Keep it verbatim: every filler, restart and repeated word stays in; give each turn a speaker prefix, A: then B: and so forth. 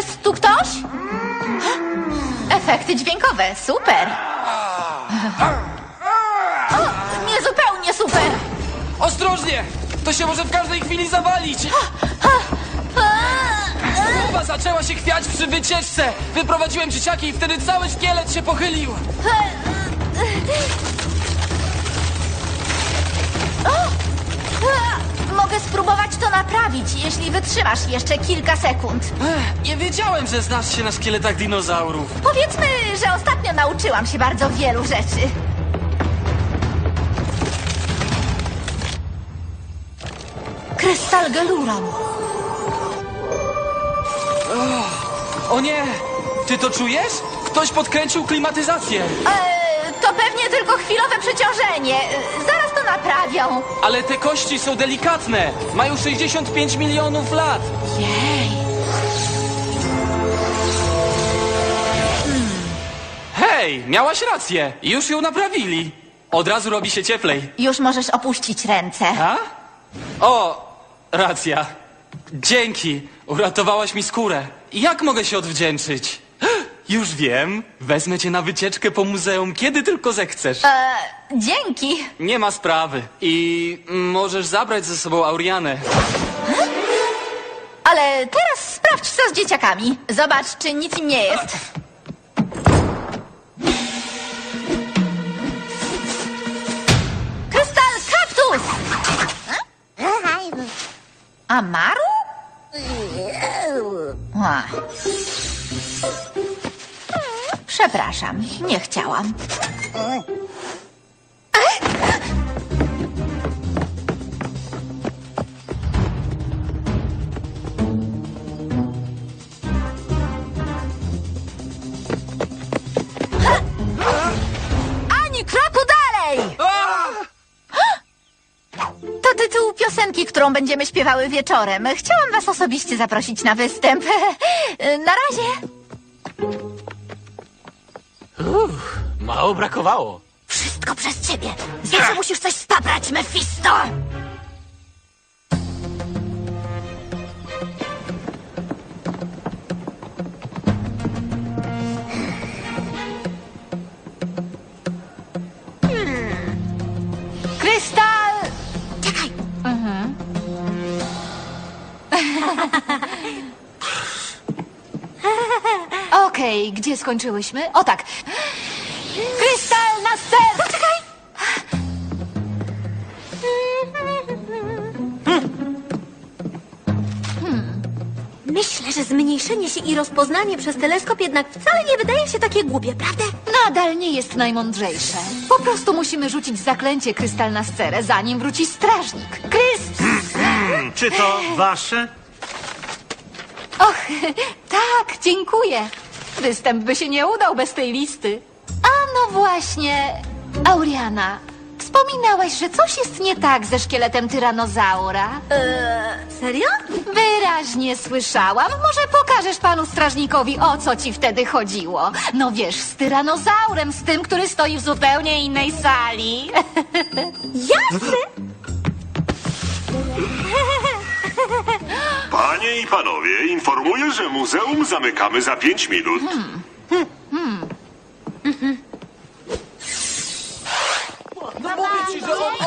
A: Jest tu ktoś? Efekty dźwiękowe, super. O, niezupełnie super.
B: Ostrożnie! To się może w każdej chwili zawalić! Głowa zaczęła się chwiać przy wycieczce! Wyprowadziłem dzieciaki i wtedy cały szkielet się pochylił!
A: Mogę spróbować to naprawić, jeśli wytrzymasz jeszcze kilka sekund.
B: Ech, nie wiedziałem, że znasz się na szkieletach dinozaurów.
A: Powiedzmy, że ostatnio nauczyłam się bardzo wielu rzeczy. Krystal Geluron.
B: O nie! Ty to czujesz? Ktoś podkręcił klimatyzację!
A: Eee, to pewnie tylko chwilowe przeciążenie. Eee, Zaraz to naprawią.
B: Ale te kości są delikatne! Mają sześćdziesiąt pięć milionów lat!
A: Jej.
B: Hej, miałaś rację! Już ją naprawili! Od razu robi się cieplej.
A: Już możesz opuścić ręce.
B: A? O, racja. Dzięki. Uratowałaś mi skórę. Jak mogę się odwdzięczyć? Już wiem. Wezmę cię na wycieczkę po muzeum, kiedy tylko zechcesz.
A: Eee, dzięki.
B: Nie ma sprawy. I możesz zabrać ze sobą Aurianę.
A: Ale teraz sprawdź, co z dzieciakami. Zobacz, czy nic im nie jest. Krystal kaktus! Amaru? A. Przepraszam, nie chciałam. Ani kroku dalej! To tytuł piosenki, którą będziemy śpiewały wieczorem. Chciałam was osobiście zaprosić na występ. Na razie.
C: Uff, mało brakowało.
A: Wszystko przez ciebie. Zawsze musisz coś spaprać, Mephisto. Krystal! Czekaj. Mhm.
D: Okej, gdzie skończyłyśmy? O tak. Krystal na ster!
A: Poczekaj.
E: Myślę, że zmniejszenie się i rozpoznanie przez teleskop jednak wcale nie wydaje się takie głupie, prawda?
D: Nadal nie jest najmądrzejsze. Po prostu musimy rzucić zaklęcie krystal na sterę, zanim wróci strażnik. Kryst!
F: Czy to wasze?
D: Och, tak, dziękuję. Występ by się nie udał bez tej listy. A no właśnie, Auriana, wspominałaś, że coś jest nie tak ze szkieletem tyranozaura.
E: Eee, serio?
D: Wyraźnie słyszałam. Może pokażesz panu strażnikowi, o co ci wtedy chodziło. No wiesz, z tyranozaurem, z tym, który stoi w zupełnie innej sali.
E: Jasne!
G: Panie i panowie, informuję, że muzeum zamykamy za pięć minut.
B: Mówię ci, że on...